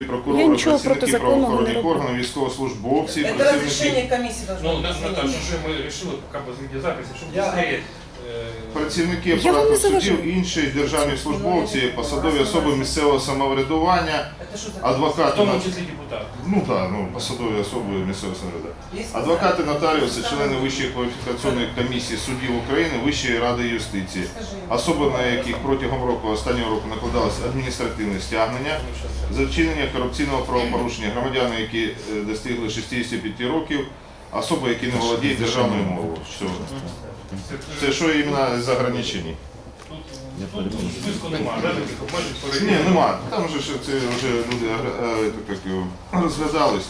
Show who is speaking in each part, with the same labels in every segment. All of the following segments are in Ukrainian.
Speaker 1: Прокурори,
Speaker 2: Я нічого
Speaker 1: працівники
Speaker 2: протизаконного не
Speaker 1: правоохоронних
Speaker 2: роблю.
Speaker 1: органів, військовослужбовці,
Speaker 3: Это разрешение комиссии должно быть.
Speaker 4: Наташа, уже мы решили пока без видеозаписи, чтобы быстрее.
Speaker 1: працівники
Speaker 2: Я вам не
Speaker 1: апарату судів,
Speaker 2: заважаю.
Speaker 1: інші державні службовці, посадові особи місцевого самоврядування,
Speaker 3: Это что за
Speaker 4: В
Speaker 1: адвокати,
Speaker 4: тому числі депутат.
Speaker 1: посадові особи місцевого самоврядування,
Speaker 3: Есть
Speaker 1: адвокати, нотаріуси, члени Вищої кваліфікаційної комісії суддів України, Вищої ради юстиції, особи, на яких протягом останнього року накладалось адміністративне стягнення за вчинення корупційного правопорушення, громадяни, які достигли 65 років, особи, які не володіють державною мовою. Все. Це що іменно з ограничень?
Speaker 4: Тут списку немає, да, таких обмежень
Speaker 1: Ні, нема. Там же ж це вже люди розглядались.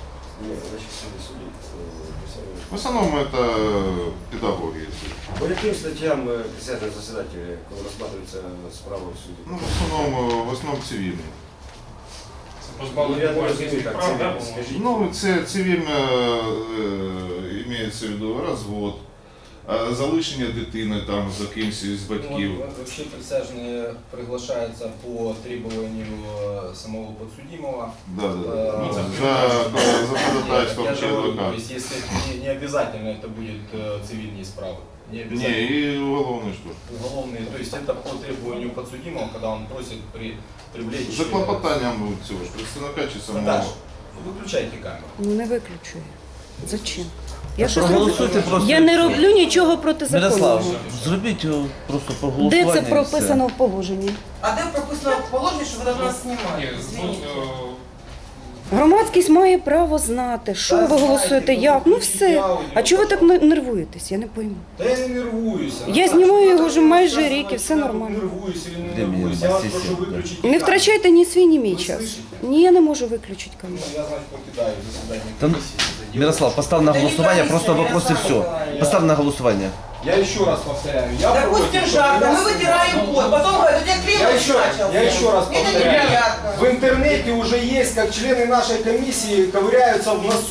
Speaker 1: В основному це педагоги.
Speaker 5: По яким статтям присядуть засідателі, коли розглядаються справи в суді?
Speaker 1: Ну, в основному цивільні.
Speaker 4: позбавлення громадянських прав, да,
Speaker 5: скажіть.
Speaker 1: Ну, це цивільно мається в виду розвод, залишення дитини там за кимось з батьків.
Speaker 6: Ну, вообще присяжные приглашаются по требованию самого подсудимого.
Speaker 1: Да.
Speaker 4: Ну,
Speaker 1: За ходатайством
Speaker 6: Я
Speaker 1: чи
Speaker 6: же говорю, то
Speaker 1: адвоката.
Speaker 6: есть если не обязательно это будет цивильные справы. Не
Speaker 1: Ні,
Speaker 6: обязательно
Speaker 1: і уголовний що.
Speaker 6: уголовные. То есть это по требованию подсудимого, когда он просит привлечь...
Speaker 1: За клопотанням цього ж представника чи самого.
Speaker 6: Наташ, выключайте камеру.
Speaker 2: Ну не виключую. Зачем? Я що
Speaker 7: Проголосуйте
Speaker 2: зроблю?
Speaker 7: просто.
Speaker 2: Я не роблю нічого протизаконного.
Speaker 7: Мирослав, зробіть просто
Speaker 2: Де
Speaker 7: проголосування.
Speaker 2: це
Speaker 7: і все.
Speaker 2: прописано в положенні?
Speaker 3: А где прописано в положении, что вы должны нас
Speaker 4: Ні,
Speaker 3: снимать?
Speaker 4: ну,
Speaker 3: Извините.
Speaker 2: Громадськість має право знати, що ви голосуєте, як. Ну все. А чого ви так нервуєтесь? Я не пойму.
Speaker 6: Да я не нервуюсь.
Speaker 2: Я знімаю його вже майже рік і все нормально.
Speaker 6: Нервуюсь или не
Speaker 7: Де мені
Speaker 6: нервуюсь. Я вас
Speaker 7: масі
Speaker 6: прошу
Speaker 7: сів, да.
Speaker 6: выключить
Speaker 2: Не
Speaker 6: камеру.
Speaker 2: втрачайте ні свій, ні мій
Speaker 6: Ви
Speaker 2: час.
Speaker 6: слышите?
Speaker 2: Ні, я не можу виключити
Speaker 6: Ну,
Speaker 2: камеру.
Speaker 6: я, значит, покидаю заседание
Speaker 7: Та ну,
Speaker 6: комиссии.
Speaker 7: Мирослав, постав на
Speaker 3: Це
Speaker 7: голосування,
Speaker 3: не
Speaker 7: просто
Speaker 3: комісія,
Speaker 7: вопрос і все.
Speaker 3: Мирослав.
Speaker 7: Постав на голосування.
Speaker 6: Я еще раз повторяю. Я
Speaker 3: Допустим,
Speaker 6: против,
Speaker 3: жарко,
Speaker 6: чтобы
Speaker 3: мы вытираем пот, потом говорят, у тебя
Speaker 6: Я
Speaker 3: климат
Speaker 6: еще,
Speaker 3: начался.
Speaker 6: я еще раз
Speaker 3: Мне это
Speaker 6: повторяю.
Speaker 3: неприятно.
Speaker 6: В интернете уже есть, как члены нашей комиссии ковыряются в носу.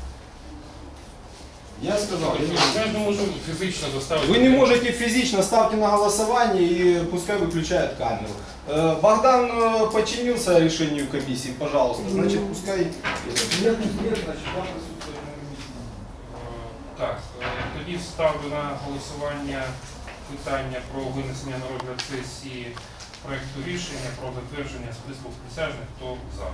Speaker 6: Я сказал.
Speaker 4: я ж не можу фізично заставити.
Speaker 6: Вы не можете физично, ставьте на голосование и пускай выключают камеру. Богдан подчинился решению комиссии, пожалуйста. Значит, пускай... Нет, значит, я присутствую на комиссии.
Speaker 4: Так, тоді ставлю на голосування питання про винесення на розгляд сесії проекту рішення про затвердження списку присяжних. Хто за?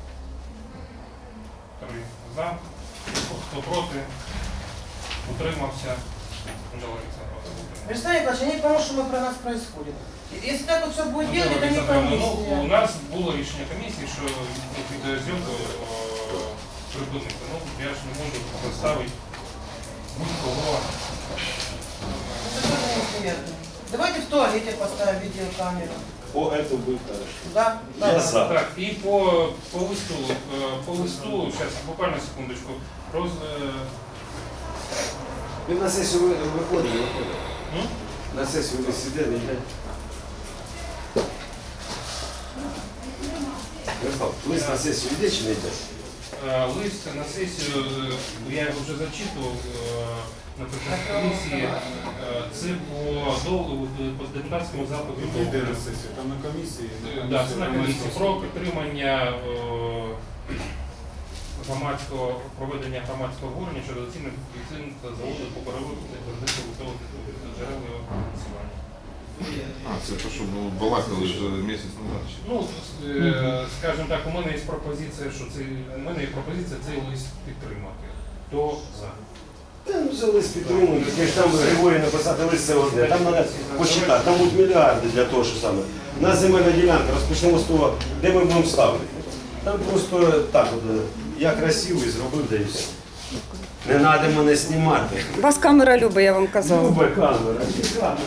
Speaker 4: 3 за. Хто проти? Утримався? Анжела Олександровна, утримався.
Speaker 3: Вячеслав Николаевич, я не пойму, что про нас происходит. Если так вот все будет делать, это не
Speaker 4: Ну, у
Speaker 3: комиссия.
Speaker 4: нас було рішення комісії, що відеозйомку припинити. Ну, я ж не можу поставити будь-кого.
Speaker 3: Это тоже неприятно. Давайте в туалете поставим видеокамеру.
Speaker 5: О, это будет хорошо.
Speaker 3: Да?
Speaker 5: Я за.
Speaker 4: Так, і по листу, зараз, буквально секундочку,
Speaker 5: Ви на сесію виходили?
Speaker 4: М?
Speaker 5: На сесію ви сиділи, йде. Мирослав, лист на сесію йде чи не йде?
Speaker 4: лист на сесію, я його вже зачитував на комісії, це по депутатському запиту.
Speaker 8: Там на комісії.
Speaker 4: Да, це на комісії про підтримання проведення громадського обговорення щодо оцінки заводу по переробці твердих побутових джерел його фінансування.
Speaker 1: Це те, що балакали вже місяць назад.
Speaker 4: Ну, скажімо так, у мене є пропозиція, цей лист підтримати. Хто за?
Speaker 5: Та ну за лист підтримують, таке ж там Григорій написати лист це одне. Там треба посчитати, там будуть мільярди для того, що саме. У нас земельна ділянка, розпочнемо з того, де ми будемо ставити. Там просто так от, я красиво і зробив, да і все. Не треба мене знімати.
Speaker 2: Вас камера любить, я вам казала.
Speaker 5: Люба камера.